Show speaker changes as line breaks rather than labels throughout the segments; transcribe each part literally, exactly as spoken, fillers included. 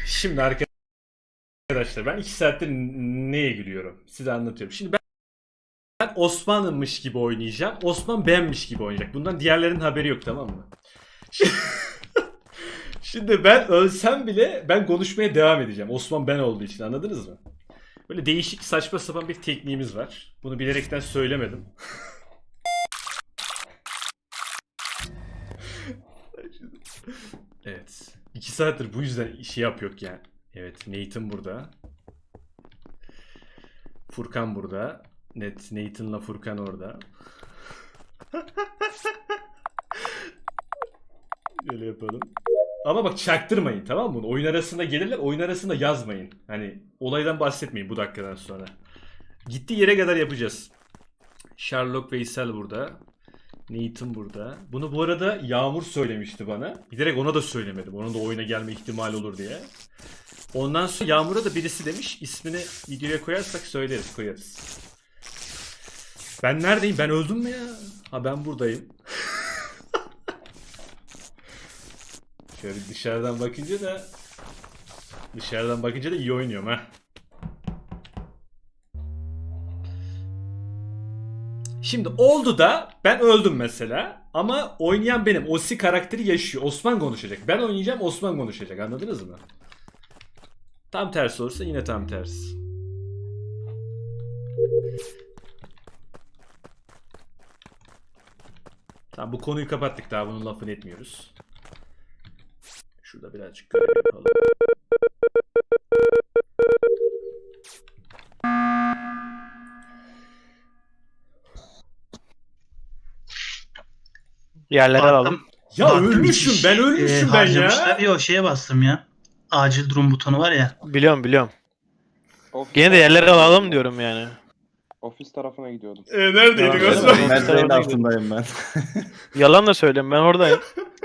Şimdi arkadaşlar ben iki saattir neye gülüyorum? Size anlatıyorum. Şimdi ben, ben Osman'mış gibi oynayacağım. Osman benmiş gibi oynayacak. Bundan diğerlerinin haberi yok, tamam mı? Şimdi, şimdi ben ölsem bile ben konuşmaya devam edeceğim. Osman ben olduğu için, anladınız mı? Böyle değişik saçma sapan bir tekniğimiz var. Bunu bilerekten söylemedim. Evet. iki saattir bu yüzden işi yapıyor yani. Evet, Nathan burada. Furkan burada. Net Nathan'la Furkan orada. Böyle yapalım. Ama bak çaktırmayın, tamam mı? Oyun arasında gelirler, oyun arasında yazmayın. Hani olaydan bahsetmeyin bu dakikadan sonra. Gittiği yere kadar yapacağız. Sherlock Veysel burada. Nathan burada. Bunu bu arada Yağmur söylemişti bana. Giderek ona da söylemedim. Onun da oyuna gelme ihtimali olur diye. Ondan sonra Yağmur'a da birisi demiş. İsmini videoya koyarsak söyleriz, koyarız. Ben neredeyim? Ben öldüm mü ya? Ha, ben buradayım. Şöyle dışarıdan bakınca da dışarıdan bakınca da iyi oynuyorum ha. Şimdi oldu da ben öldüm mesela ama oynayan benim. Osi karakteri yaşıyor. Osman konuşacak. Ben oynayacağım, Osman konuşacak. Anladınız mı? Tam tersi olursa yine tam tersi. Tamam, bu konuyu kapattık, daha bunun lafını etmiyoruz. Şurada birazcık görev yapalım.
Yerleri
Baktım.
alalım.
Ya
Baktım
ölmüşüm
hiç,
ben ölmüşüm
e,
ben
harcamışlar.
ya.
Yok şeye bastım ya. Acil durum butonu var ya.
Biliyorum biliyorum.
Ofis
Gene de
tarafına
yerleri
gidiyordum
alalım
ben.
diyorum yani.
Ofis tarafına gidiyordum.
E, neredeydik
Ya,
Osman?
öyle mi?
Medbay'in altındayım ben.
Yalan da söyleyeyim, ben oradayım.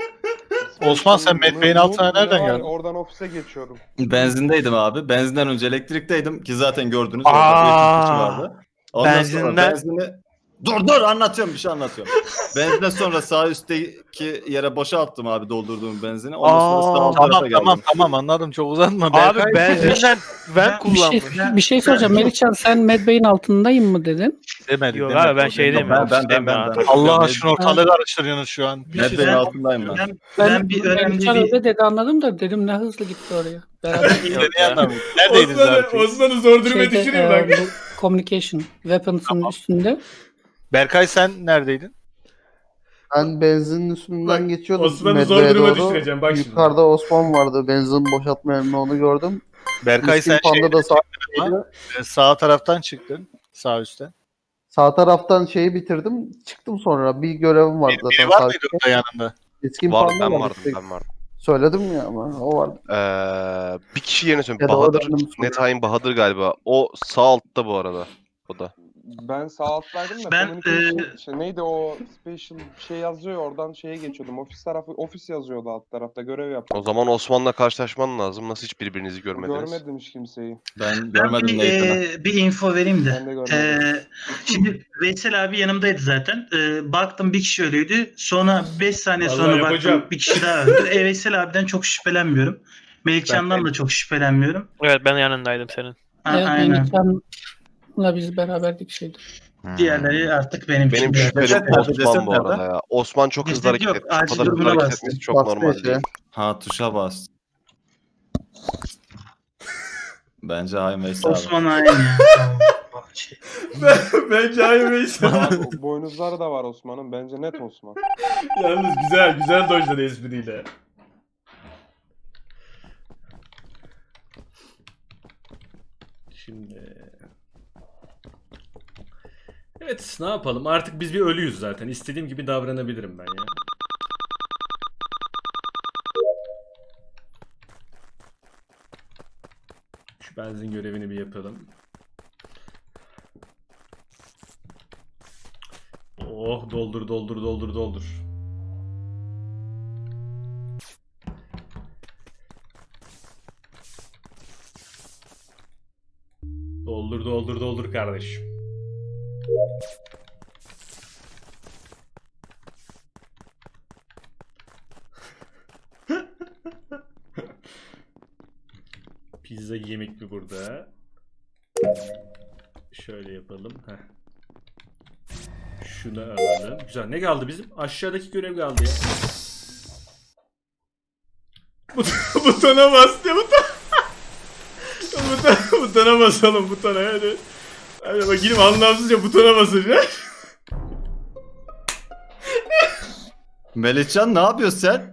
Osman, sen
Bunu-
Medbay'in
bunu-
altına
bunu
nereden
var ya,
geldin?
Oradan ofise geçiyordum.
Benzindeydim abi. Benzinden önce elektrikteydim ki zaten gördünüz
Aa,
orada bir kişi vardı. Ondan sonra
benzinden-
benzini... Dur dur anlatıyorum, bir şey anlatıyorum. Benzinden sonra sağ üstteki yere boşalttım abi doldurduğum benzini. Ondan sonra sağ
Aa,
alt tarafa
Tamam
geldim.
tamam tamam anladım, çok uzatma.
Abi
Berkay,
benzinden ben
Ben-
Bir şey,
kullanmışım.
bir şey soracağım. Melihcan sen Medbay'in altındayım mı dedin?
demedi.
Yok
demedi.
abi, ben şeydeyim
Ben
ya,
ben ben
ofisteyim
ben.
ya.
ben.
Allah aşkına ortalığı karıştırıyorsunuz şu an.
Medbay'in
Ben-
altındayım ben.
Ben,
Ben,
ben bir önemli
Melihcan
bir...
öyle dedi anladım da dedim ne hızlı gitti oraya. Beraber
Yok ya.
Neredeydiniz
Osman'ı,
abi?
Osman'ı zor duruma
şeyde,
düşürüyor
e,
bak.
bu communication weapons'ın üstünde.
Berkay sen neredeydin?
Ben benzinin üstünden
Bak,
geçiyordum.
Osman'ı zor
Medve'ye
duruma
doğru.
düşüreceğim, bak şimdi.
Yukarıda Osman vardı. Benzin boşaltma yerine onu gördüm.
Berkay
Miskin
sen
Panda
şey,
da sağ,
sağ taraftan çıktın. Sağ üstten.
sağ taraftan şeyi bitirdim. Çıktım sonra. Bir görevim vardı
Bir,
zaten.
biri var
sağ
mıydı
üstte.
orada yanında?
Miskin
Vardı,
Panda
ben
var
vardım,
işte.
ben vardım.
Söyledim ya ama o vardı.
Ee, bir kişi yerine
Ya
söyleyeyim.
da
Bahadır,
oradan mı
Nethain Bahadır galiba. O sağ altta bu arada. O da.
Ben sağ alttaydım da
Ben,
communication,
e,
şey, neydi o special bir şey yazıyor ya, oradan şeye geçiyordum. Ofis tarafı ofis yazıyordu alt tarafta, görev
O
yapıyordum.
zaman Osman'la karşılaşman lazım. Nasıl hiç birbirinizi görmediniz?
Görmedim hiç kimseyi.
Ben
Ben
görmedim
bir,
Nathan'ı.
e, bir info vereyim
Ben de
de.
görmedim.
E, şimdi Veysel abi yanımdaydı zaten. E, baktım bir kişi ölüydü. Sonra beş saniye
Vallahi
sonra
yapacağım.
baktım bir kişi daha öldü. E, Veysel abiden çok şüphelenmiyorum. Melihcan'dan da çok şüphelenmiyorum.
Evet, ben yanındaydım senin.
A-
Evet,
aynen.
Melihcan'la biz beraberdik şeyde.
Diğerleri artık benim için.
Benim
biraz-
şüphelim
Ceset nerede,
Osman
ceset
bu arada
nerede?
ya. Osman çok hızlı
Ceset
hareket
yok,
etmiş. Bu
acil
kadar hızlı
durumuna
hareket
bastı.
etmesi çok
Bastı
normal
işte.
değil.
Ha tuşa bas. Bence Haim Veysel abi.
Osman aynı ya. Tamam. Şey.
Bence hayır Veysel.
O boynuzları da var Osman'ın. Bence net Osman.
Yalnız güzel, güzel dojladı espriyle. Şimdi... Evet, ne yapalım? Artık biz bir ölüyüz zaten. İstediğim gibi davranabilirim ben ya. Şu benzin görevini bir yapalım. Oh, doldur doldur doldur doldur. Doldur doldur doldur kardeşim. Pizza yemek mi burada? Şöyle yapalım. Heh. Şunu alalım. Güzel. Ne kaldı bizim? Aşağıdaki görev kaldı ya. But- butona bas ya buton. butona, butona basalım butona hadi. Hadi bakayım anlamsızca butona basacağım.
Melihcan ne yapıyorsun sen?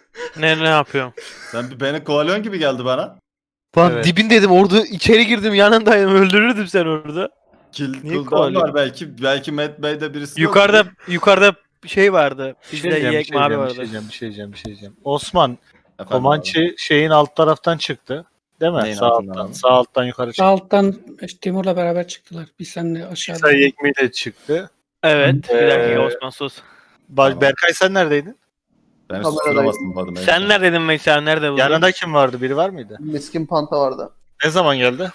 Ne ne yapıyorum?
Sen bir beni kovalyon gibi geldi bana.
Lan
Evet.
dibindeydim orada içeri girdim yanındaydım öldürürdüm sen orada.
Kill
Niye
cooldown
kovalyon?
var belki. Belki Matt Bey'de birisi
Yukarıda
yok.
yukarıda şey vardı.
Bir şey
Bizde
diyeceğim, bir
yiyek
şey
mavi
diyeceğim, bir
vardı.
şey diyeceğim, bir şey diyeceğim, bir şey diyeceğim. Osman,
Efendim
Komançı şeyin alt taraftan çıktı. Değil mi?
Neyin
Sağ
altından
alttan,
abi?
sağ alttan yukarı
Sağ
çıktı.
alttan işte Timur'la beraber çıktılar. Biz seninle aşağıda.
Sayı ekmeğiyle çıktı.
Evet. Bir
Ee,
dakika Osman sus.
Ba-
Tamam.
Berkay sen neredeydin?
Ben
Kameradayım.
susturamazdım bu adamı.
Sen neredeydin mesela nerede buldun?
Yanında kim vardı? Biri var mıydı?
Miskin Panta vardı.
Ne zaman geldi?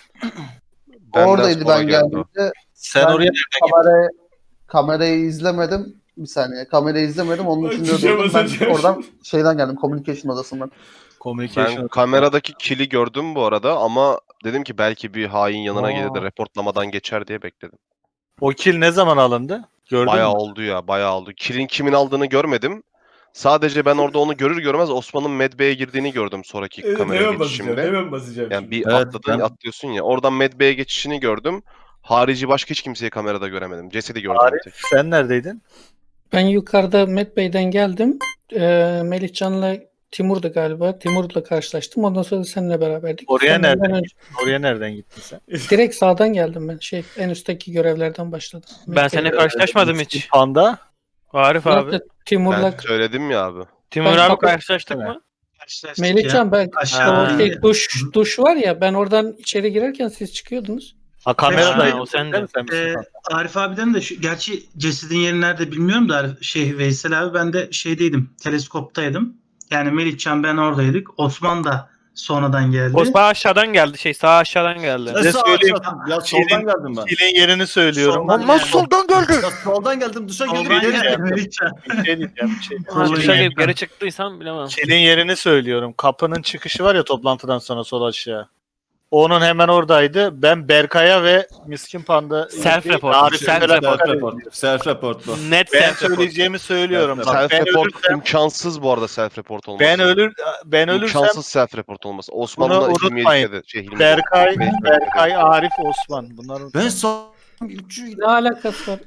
Benden
Oradaydı
sonra
ben
geldi o.
geldiğimde.
Sen
Ben
oraya nereden gittin?
Kamerayı, kamerayı izlemedim. Bir saniye. Kamerayı izlemedim. Onun
Bak,
için
tuşa
durdum. Ben
basacağım.
oradan şeyden geldim. Communication odasından.
Communication.
Ben kameradaki kill'i gördüm bu arada ama dedim ki belki bir hain yanına
Aa.
gelir de reportlamadan geçer diye bekledim.
O kill ne zaman alındı? Gördün
Bayağı
mü?
oldu ya, bayağı oldu. Kill'in kimin aldığını görmedim. Sadece ben orada onu görür görmez Osman'ın Medbay'e girdiğini gördüm sonraki
Evet,
kamera
hemen basacağım.
geçişimde.
Hemen basacağım.
Yani
şimdi.
bir
Evet,
atladın,
ben-
atlıyorsun ya. Oradan Medbay'e geçişini gördüm. Harici başka hiç kimseyi kamerada göremedim. Cesedi gördüm bir
Arif
tek.
sen neredeydin?
Ben yukarıda Met Bey'den geldim. Ee, Melihcan'la Timur'du galiba. Timur'la karşılaştım. Ondan sonra da seninle beraberdik.
Oraya
Sen benden
nereden
önce-
Oraya nereden gittin sen?
Direkt sağdan geldim ben. Şey en üstteki görevlerden başladım.
Ben
Met
seninle
Bey'de.
karşılaşmadım
Miskin
hiç.
Panda.
Arif abi.
Zaten Timur'la
Ben söyledim ya abi.
Timur
Ben
abi
kapı-
karşılaştık
Evet.
mı?
Karşılaştık ya.
Melihcan ben
Aşağıda
o
Ha.
şey, duş duş var ya ben oradan içeri girerken siz çıkıyordunuz.
Ha kameradaydın.
Ha, o sendin.
Değil mi sen Miskin
Ee,
Panda?
Arif abiden de şu, gerçi cesedin yeri nerede bilmiyorum da Arif- şey Veysel abi ben de şeydeydim, teleskoptaydım. Yani Melihcan ben oradaydık. Osman da sonradan geldi.
Osman aşağıdan geldi şey sağ aşağıdan geldi.
Ne
Ne
sağ
söyleyeyim?
aşağı- Ya soldan
Kill'in-
geldim ben.
Kill'in yerini söylüyorum.
Soldan
Ama
geldi.
soldan geldi.
Ya soldan geldim duşa girdim.
Soldan
geri
geldi
geldim.
Melihcan.
Bir şey diyeceğim. Bir şey.
Ha, dışarı
yani.
girip geri çıktıysam bilemem.
Kill'in yerini söylüyorum. Kapının çıkışı var ya toplantıdan sonra sol aşağı. Onun hemen oradaydı. Ben Berkay'a ve Miskin Panda...
Self report,
Arif'e
self
beraber
report.
Self
izledim.
report. Self report bu.
Net
Ben
self report.
söyleyeceğimi söylüyorum.
Evet,
Bak, ben
Self-report
ölürsem,
imkansız bu arada self-report olması.
ben ölür ben ölürsem
İmkansız self-report olması.
Bunu
Osman'la Hilmi
unutmayın.
Elif'e de şey Hilmi
Berkay,
Elif'e de-
Berkay, Arif, Osman. Bunların
Ben sol...
Ne alakası var?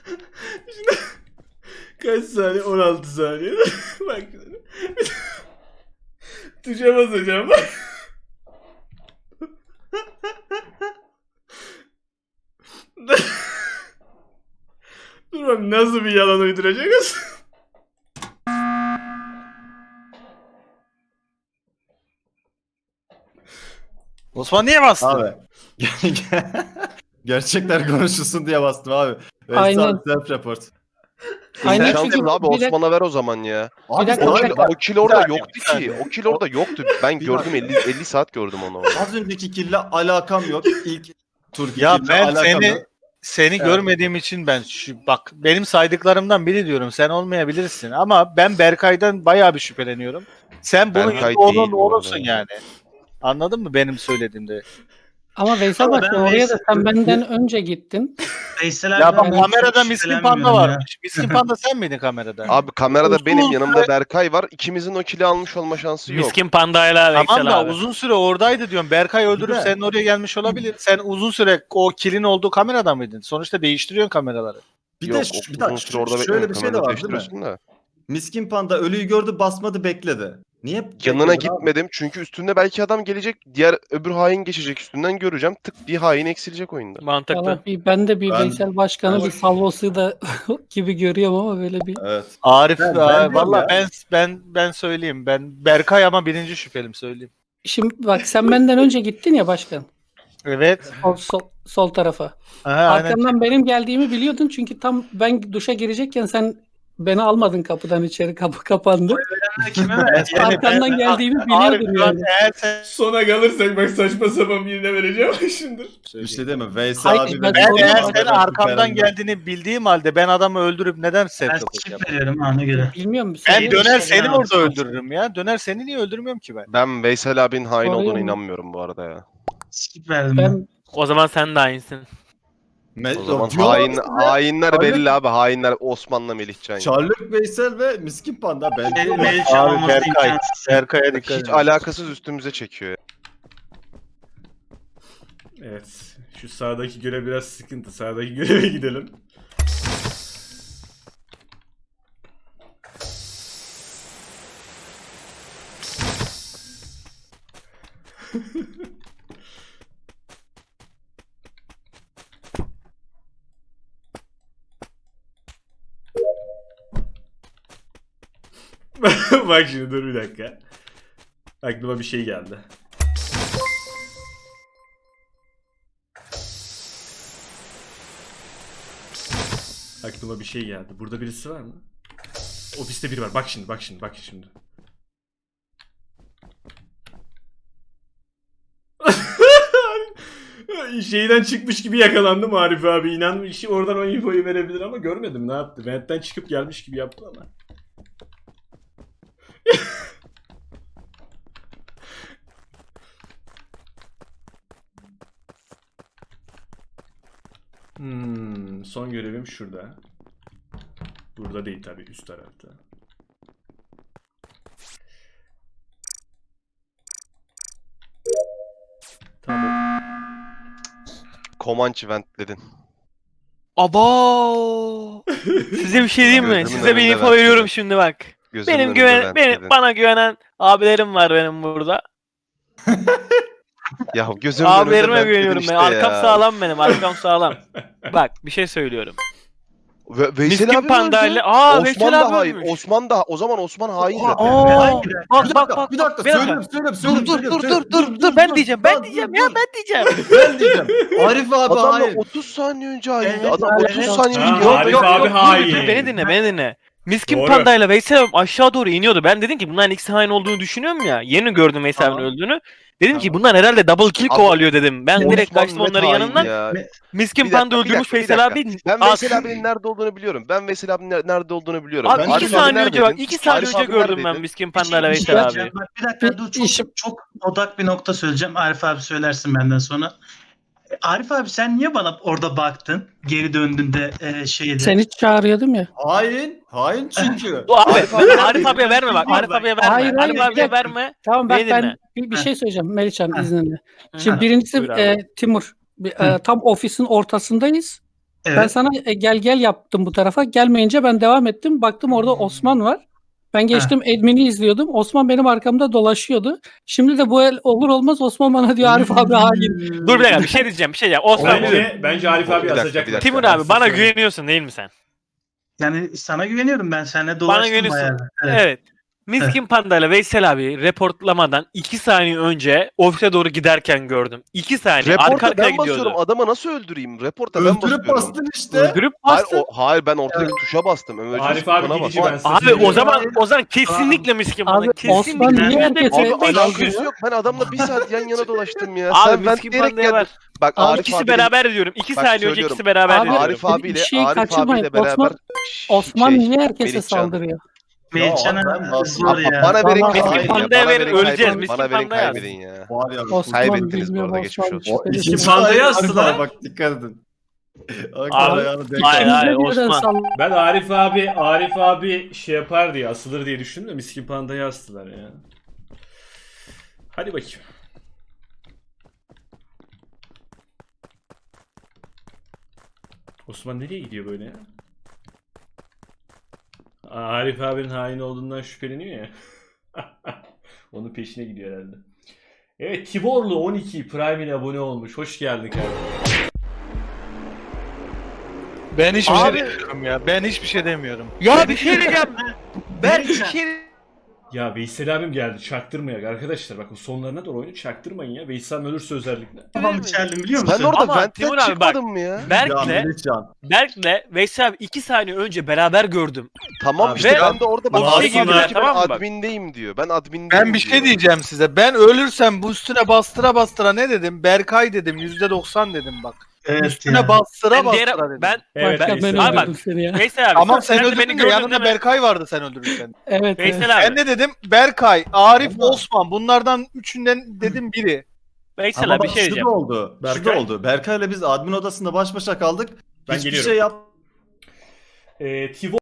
Kaç saniye? on altı saniye. Bak. Tuşa basacağım. Dur bak nasıl bir yalan uyduracağız?
Osman niye bastı?
Abi. Gerçekler konuşulsun diye bastım abi.
Aynen.
Self report.
Aynen
İmkansız
çünkü
abi
bir dakika-
Osman'a ver o zaman ya.
Abi,
dakika,
O
bir
kill,
dakika.
o kill orada
saniye,
yoktu
bir
ki.
saniye.
O kill orada yoktu. Ben
Bir
gördüm elli elli saat gördüm onu. orada.
Az önceki kille alakam yok. İlk turki
Ya
kille
ben
alakam
seni
yok.
seni
Evet.
görmediğim için ben şu bak benim saydıklarımdan biri diyorum. Sen olmayabilirsin ama ben Berkay'dan bayağı bir şüpheleniyorum. Sen bunun
Berkay
onun
değil bu
olursun
arada.
yani. Anladın mı benim söylediğimde?
Ama Veysel
Ama
bak
ben
oraya da
Veysel-
sen benden önce gittin.
Veysel
Ya
abiden
bak
ben
kamerada
hiç
Miskin Panda
şüphelenmiyorum ya.
varmış. Miskin Panda sen miydin kamerada?
Abi kamerada
Uzun
benim
süre-
yanımda Berkay var. İkimizin o kill'i almış olma şansı yok.
Miskin pandayla Veysel
Tamam da
abi.
uzun süre oradaydı diyorum. Berkay öldürüp
de-
senin oraya gelmiş olabilir. Sen uzun süre o kilin olduğu kamerada mıydın? Sonuçta değiştiriyorsun kameraları.
Bir
Yok,
de
o
şu- bir
uzun
dakika,
süre orada
şöyle
beklemedim.
bir şey de
Kamerada
var değil mi?
değiştiriyorsun da.
Miskin Panda ölüyü gördü basmadı bekledi. Niye?
Yanına
bekledin abi?
gitmedim çünkü üstünde belki adam gelecek. Diğer öbür hain geçecek üstünden göreceğim. Tık bir hain eksilecek oyunda.
Mantıklı.
Valla bir, ben de bir
Ben-
Veysel Başkan'ı bir salvosu da gibi görüyorum ama böyle bir
Evet.
Arif
Ben- ben
aa,
diyorum
valla
ya.
ben ben ben söyleyeyim. Ben Berkay ama birinci şüphelim söyleyeyim.
Şimdi bak sen benden önce gittin ya başkan.
Evet.
Sol, sol, sol tarafa.
Aha, aynen.
Arkamdan benim geldiğimi biliyordun çünkü tam ben duşa girecekken sen beni almadın kapıdan içeri, kapı kapandı.
Kime ver?
Arkandan geldiğimi
Arif,
biliyordum
lan
yani.
eğer sen
Sona kalırsak bak saçma sapan birine vereceğim şimdi.
Bir şey değil mi? Veysel
Hayır,
abi
ben-
de-
ben
Doğru.
eğer
Doğru.
senin arkamdan geldiğini bildiğim halde ben adamı öldürüp neden
Ben
set
skip
yapacağım?
veriyorum ona göre.
Bilmiyorum.
Ben
Sen-
döner
şey
seni
ya.
orada öldürürüm ya. Döner seni niye öldürmüyorum ki ben?
Ben Veysel abinin hain
Soruyor
olduğuna
mu?
inanmıyorum bu arada ya.
Skip verdim ben.
Ben
O zaman sen de aynısın.
Me-
O zaman
Diyor
hain,
musun
hainler
Abi-
belli abi. Hainler Osman'la Melihcan. ya.
Charlotte Veysel ve Miskin Panda. Ben
Me- Melihcan
Abi
olması
Berkay.
imkansız.
Berkay'a dikkat
Hiç
edin.
alakasız üstümüze çekiyor ya.
Evet. Şu sağdaki görev biraz sıkıntı. Sağdaki göreve gidelim. Bak şimdi dur bir dakika. Aklıma bir şey geldi. Aklıma bir şey geldi. Burada birisi var mı? Ofiste biri var. Bak şimdi, bak şimdi, bak şimdi. Şeyden çıkmış gibi yakalandım Arif abi. İnanmış oradan o infoyu verebilir ama görmedim ne yaptı. Ventten çıkıp gelmiş gibi yaptı ama. Hmm, son görevim şurada. Burada değil tabii, üst tarafta. Tamam.
Comanche ventledin.
Abo! Size bir şey diyeyim mi?
Gözümün
Size bir
önünde
info
ben
veriyorum
dedim.
şimdi bak.
Gözümün
Benim
önünde
güven benim
ventledin.
bana güvenen abilerim var benim burada.
Ya gözümün önünde
Abilerime
ventledin
güveniyorum
işte
ben. Arkam
ya.
sağlam benim. Arkam sağlam. Bak bir şey söylüyorum.
Ve, Veysel
Miskin
abi mi
Panda
öldü?
ile aa
Osman
Veysel
da
abi
hain.
ölmüş.
Osman da o zaman Osman hain zaten.
Aa,
Bir dakika.
bak
Bir
bak
dakika,
bak.
bir dakika.
bir dakika.
Söyleyeyim, söyleyeyim,
Dur
söyleyeyim.
dur dur
söyleyeyim,
dur dur dur ben diyeceğim ben
Lan,
diyeceğim
dur,
ya
dur.
ben diyeceğim.
Ben diyeceğim. Arif abi
Adamla
hayır.
otuz saniye önce haindi.
Evet,
Adam
evet.
otuz saniye
Ha,
önce
Arif
yok,
abi
yok,
hain.
Dur, beni dinle beni dinle. Miskin
Doğru.
Panda ile Veysel abi aşağı doğru iniyordu. Ben dedim ki bunların ikisi hain olduğunu düşünüyorum ya. Yeni gördüm Veysel abinin
Tamam.
öldüğünü. Dedim ki
Tamam.
bunlar herhalde double kill
Abi,
kovalıyor dedim. Ben direkt
Osman
kaçtım
net
onların
hain
yanından.
ya.
Miskin
Bir dakika,
Panda
bir
öldürmüş
dakika, bir
Veysel
dakika.
abi.
Ben
Aa,
Veysel abinin nerede olduğunu biliyorum. Ben Veysel abinin ner- nerede olduğunu biliyorum.
Abi
Ben
iki
Arif abi
saniye önce bak
neredeydin?
iki saniye
Arif
önce
abi
gördüm ben
neredeydin?
Miskin
Bir
Panda
şey-
ile
bir şey
Veysel
diyeceğim.
abi.
Bak, bir dakika dur çok,
İşim-
çok odak bir nokta söyleyeceğim. Arif abi söylersin benden sonra. E, Arif abi sen niye bana orada baktın? Geri döndüğünde e, şeyde.
Seni çağırıyordum ya.
Hain. Hain çünkü.
Bu abi
Arif abi
Arif,
neredeydin?
abiye verme bak. Arif abiye verme.
Hayır, hayır,
Arif
bir
abiye
dakika.
verme.
Tamam bak
Beni
ben
dinle.
bir, bir
Heh.
şey söyleyeceğim Melihcan
Heh.
izninle.
Hı.
Şimdi birincisi
Buyur abi.
e, Timur. Bir, e, tam ofisin ortasındayız.
Evet.
Ben sana e, gel gel yaptım bu tarafa. Gelmeyince ben devam ettim. Baktım orada
Hmm.
Osman var. Ben geçtim admin'i izliyordum. Osman benim arkamda dolaşıyordu. Şimdi de bu el olur olmaz Osman bana diyor Arif abi hain.
Dur bir dakika bir şey diyeceğim bir şey diyeceğim. Osman buyur.
Bence, bence Arif
Bir
abi
dakika,
asacak.
bir dakika.
Timur abi bana güveniyorsun değil mi sen?
Yani sana güveniyorum ben. Seninle
Bana
dolaştım
güveniyorsun.
bayağı.
Evet.
Evet.
Miskin Panda ile Veysel abi reportlamadan iki saniye önce ofise doğru giderken gördüm. iki saniye arka
Reporta
arkaya
ben basıyorum.
gidiyordu.
Adama nasıl öldüreyim? Reporta ben
Öldürüp
basıyorum.
bastın işte.
Öldürüp
Hayır,
bastı.
o, hayır ben ortadaki tuşa bastım. Emergency
Arif abi
butona
gidici
bastım.
ben size
Abi
söyleyeyim.
o zaman o zaman kesinlikle Miskin Panda.
Abi, Osman
Kesinlikle.
niye herkese-
Abi
Beş-
alakası yok. Ben adamla bir saat yan yana dolaştım ya.
Abi
Sen
Miskin
ventleyerek
Panda'ya
geldin.
ver.
Bak
Abi
Arif
ikisi
abiyle-
beraber diyorum. İki
Bak,
saniye önce
söylüyorum.
ikisi beraber
Abi,
diyorum.
Arif
bir
abiyle
şeyi
Arif
kaçırmayın.
abiyle beraber
Osman- Osman
şey,
niye herkese
Melihcan.
saldırıyor?
Melihcan'a
ben bastım.
zor ya.
Bana verin
Vallahi-
kaybedin
Miskin
ya.
Panda'ya
Bana
verin,
verin
öleceğiz.
kaybedin.
Miskin
Bana verin
Panda'ya yaz.
kaybedin ya.
Var ya.
Osman
Kaybettiniz bu
bilmiyorum,
arada, geçmiş
Osman
olsun.
şüpheli.
Miskin Panda'ya astılar.
Bak dikkat edin.
Abi,
Ayağını denk
hayır,
al.
hayır,
Bize birden
Osman.
saldırıyor.
Ben Arif abi Arif abi şey yapar diye asılır diye düşündüm de Miskin Panda'yı astılar ya. Hadi bakayım. Osman nereye gidiyor böyle ya? Aa, Arif abinin hain olduğundan şüpheleniyor ya. Onun peşine gidiyor herhalde. Evet Tiborlu on iki Prime ile abone olmuş. Hoş geldin kardeşim.
Ben hiçbir
Abi-
şey demiyorum ya. Ben hiçbir şey demiyorum.
Ya bir şey diyeceğim. Ben bir
Melihcan.
şey
Ya Veysel abim geldi. Çaktırmayak arkadaşlar. Bakın sonlarına doğru oyunu çaktırmayın ya. Veysel abim ölürse özellikle.
Kafamı içerdim biliyor musun?
Sen orada
Ama
ventten
Timur abi bak,
çıkmadın mı ya?
Ya
Berk'le
Melihcan.
Berk'le Veysel abi iki saniye önce beraber gördüm.
Tamam
Abi
işte
ve-
ben de orada bak
Ofise
Arif abi
girdiler,
diyor ki ben
tamam mı bak?
admindeyim diyor. Ben admindeyim
Ben bir şey
diyor.
diyeceğim size. Ben ölürsem bu üstüne bastıra bastıra ne dedim? Berkay dedim. yüzde doksan dedim bak.
Evet
Üstüne
ya.
bastıra
Ben,
bastıra
diğer,
dedim.
ben
Evet
Bak, ben
Veysel abi.
Abi
öldürdüm seni ya.
Veysel abi
Tamam sen
de
öldürdün
beni
de
gördün
yanında
değil mi?
Berkay vardı sen öldürürken.
Evet. evet.
Veysel abi.
Ben de dedim Berkay, Arif, Osman bunlardan üçünden dedim biri.
Veysel
Ama
abi bir
bak
şey
şu da
diyeceğim.
oldu. Şu
Berkay.
da oldu. Berkay'la biz admin odasında baş başa kaldık.
Ben
Hiçbir
geliyorum.
şey yap
Ee, Tivo